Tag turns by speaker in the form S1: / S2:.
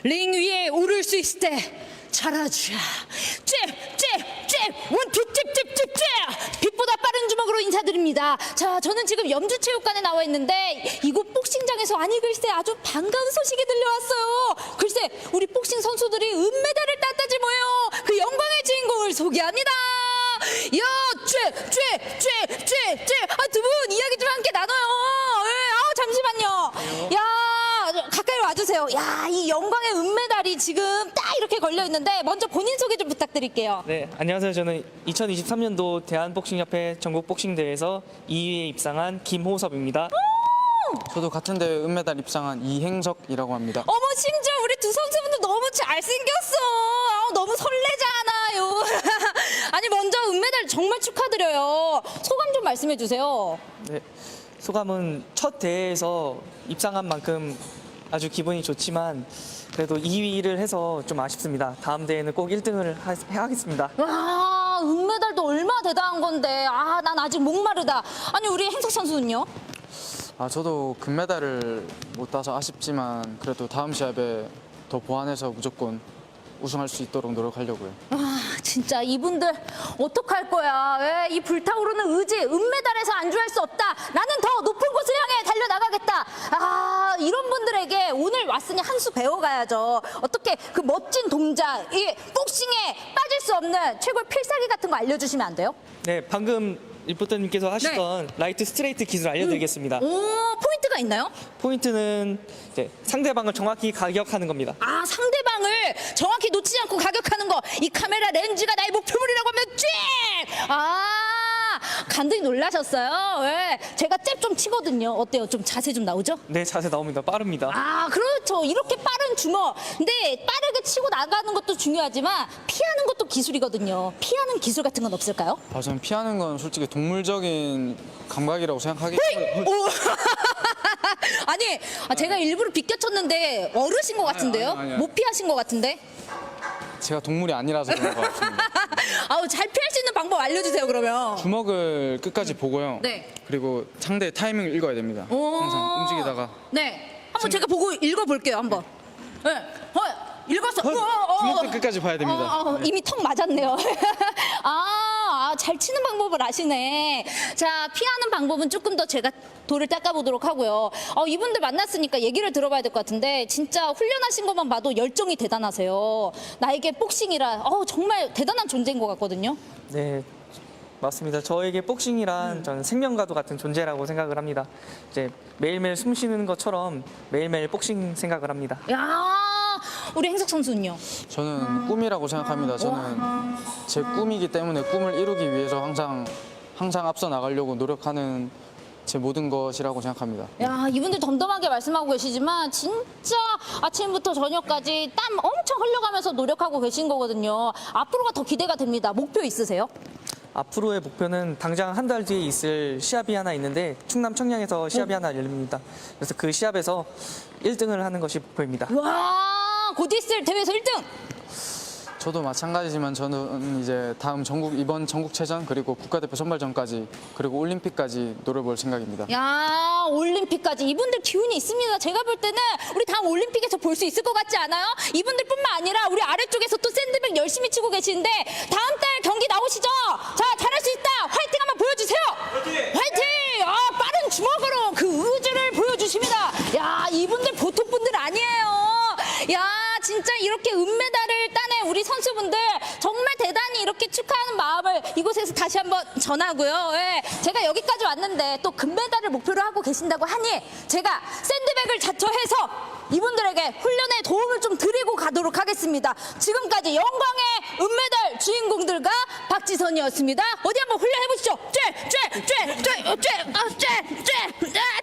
S1: 링 위에 오를 수 있을 때 잘하자. 원투 잽. 빛보다 빠른 주먹으로 인사드립니다. 자, 저는 지금 염주체육관에 나와 있는데 이곳 복싱장에서 아니 글쎄 아주 반가운 소식이 들려왔어요. 글쎄 우리 복싱 선수들이 은메달을 땄다지 뭐예요. 그 영광의 주인공을 소개합니다. 야, 두 분 이야기 좀 함께 나눠요. 잠시만요. 야, 가까이 와주세요. 야, 이 영광의 은메달이 지금 딱 이렇게 걸려 있는데 먼저 본인 소개 좀 부탁드릴게요.
S2: 네, 안녕하세요. 저는 2023년도 대한복싱협회 전국복싱대회에서 2위에 입상한 김호섭입니다.
S3: 저도 같은 대회 은메달 입상한 이행석이라고 합니다.
S1: 어머, 심지어 우리 두 선수분들 너무 잘생겼어. 너무 설레잖아요. 아니, 먼저 은메달 정말 축하드려요. 소감 좀 말씀해 주세요.
S2: 네, 소감은 첫 대회에서 입상한 만큼 아주 기분이 좋지만 그래도 2위를 해서 좀 아쉽습니다. 다음 대회는 꼭 1등을 하겠습니다.
S1: 와, 은메달도 얼마나 대단한 건데. 난 아직 목마르다. 아니, 우리 행석 선수는요?
S3: 저도 금메달을 못 따서 아쉽지만 그래도 다음 시합에 더 보완해서 무조건 우승할 수 있도록 노력하려고요.
S1: 진짜 이분들 어떡할 거야. 왜 이 불타오르는 의지, 은메달에서 안주할 수 없다. 나는 더 높은 곳을 향해 달려나가겠다. 이런 분들에게 오늘 왔으니 한 수 배워가야죠. 어떻게 그 멋진 동작, 이 복싱에 빠질 수 없는 최고의 필살기 같은 거 알려주시면 안 돼요?
S2: 네, 방금 리포터님께서 하시던 라이트 스트레이트 기술 알려드리겠습니다.
S1: 오, 포인트가 있나요?
S2: 포인트는 이제 상대방을 정확히 가격하는 겁니다.
S1: 상대방을 정확히 놓치지 않고 가격하는 거. 이 카메라 렌즈가 나의 목표물이라고 하면 간들이 놀라셨어요. 왜? 제가 잽 좀 치거든요. 어때요? 좀 자세 좀 나오죠?
S2: 네, 자세 나옵니다. 빠릅니다.
S1: 그렇죠. 이렇게 빠른 주먹. 근데 빠르게 치고 나가는 것도 중요하지만 피하는 것도 기술이거든요. 피하는 기술 같은 건 없을까요?
S3: 저는 피하는 건 솔직히 동물적인 감각이라고 생각하기
S1: 오. 아니, 제가 일부러 비껴쳤는데 어르신 것 같은데요?
S3: 아니요.
S1: 못 피하신 것 같은데?
S3: 제가 동물이 아니라서 그런 것 같습니다.
S1: 잘 피할 수 있는 방법 알려주세요, 그러면.
S3: 주먹을 끝까지 보고요.
S1: 네.
S3: 그리고 상대 타이밍을 읽어야 됩니다. 항상 움직이다가
S1: 네. 한번 제가 보고 읽어볼게요, 한번. 네. 읽었어.
S3: 주먹도 끝까지 봐야 됩니다.
S1: 이미 턱 맞았네요. 잘 치는 방법을 아시네. 자, 피하는 방법은 조금 더 제가 돌을 닦아보도록 하고요. 이분들 만났으니까 얘기를 들어봐야 될 것 같은데 진짜 훈련하신 것만 봐도 열정이 대단하세요. 나에게 복싱이라 정말 대단한 존재인 것 같거든요.
S2: 네, 맞습니다. 저에게 복싱이란 저는 생명과도 같은 존재라고 생각을 합니다. 이제 매일매일 숨 쉬는 것처럼 매일매일 복싱 생각을 합니다.
S1: 우리 행석 선수는요?
S3: 저는 꿈이라고 생각합니다. 저는 제 꿈이기 때문에 꿈을 이루기 위해서 항상 앞서 나가려고 노력하는 제 모든 것이라고 생각합니다.
S1: 이분들 덤덤하게 말씀하고 계시지만 진짜 아침부터 저녁까지 땀 엄청 흘려가면서 노력하고 계신 거거든요. 앞으로가 더 기대가 됩니다. 목표 있으세요?
S2: 앞으로의 목표는 당장 한 달 뒤에 있을 시합이 하나 있는데 충남 청량에서 시합이 하나 열립니다. 그래서 그 시합에서 1등을 하는 것이 목표입니다.
S1: 와, 곧 있을 대회에서 1등!
S3: 저도 마찬가지지만 저는 이제 이번 전국체전 그리고 국가대표 선발전까지 그리고 올림픽까지 노려볼 생각입니다.
S1: 올림픽까지 이분들 기운이 있습니다. 제가 볼 때는 우리 다음 올림픽에서 볼 수 있을 것 같지 않아요? 이분들뿐만 아니라 우리 아래쪽에서 또 샌드백 열심히 치고 계시는데 다음 달 경기 나오시죠? 자, 잘할 수 있다. 화이팅 한번 보여주세요. 화이팅! 빠른 주먹으로 그 의지를 보여주십니다. 이분들 보통 분들 아니에요. 진짜 이렇게 은메달을 따낸 우리 선수분들 정말 대단히 이렇게 축하하는 마음을 이곳에서 다시 한번 전하고요. 제가 여기까지 왔는데 또 금메달을 목표로 하고 계신다고 하니 제가 샌드백을 자처해서 이분들에게 훈련에 도움을 좀 드리고 가도록 하겠습니다. 지금까지 영광의 은메달 주인공들과 박지선이었습니다. 어디 한번 훈련해 보시죠.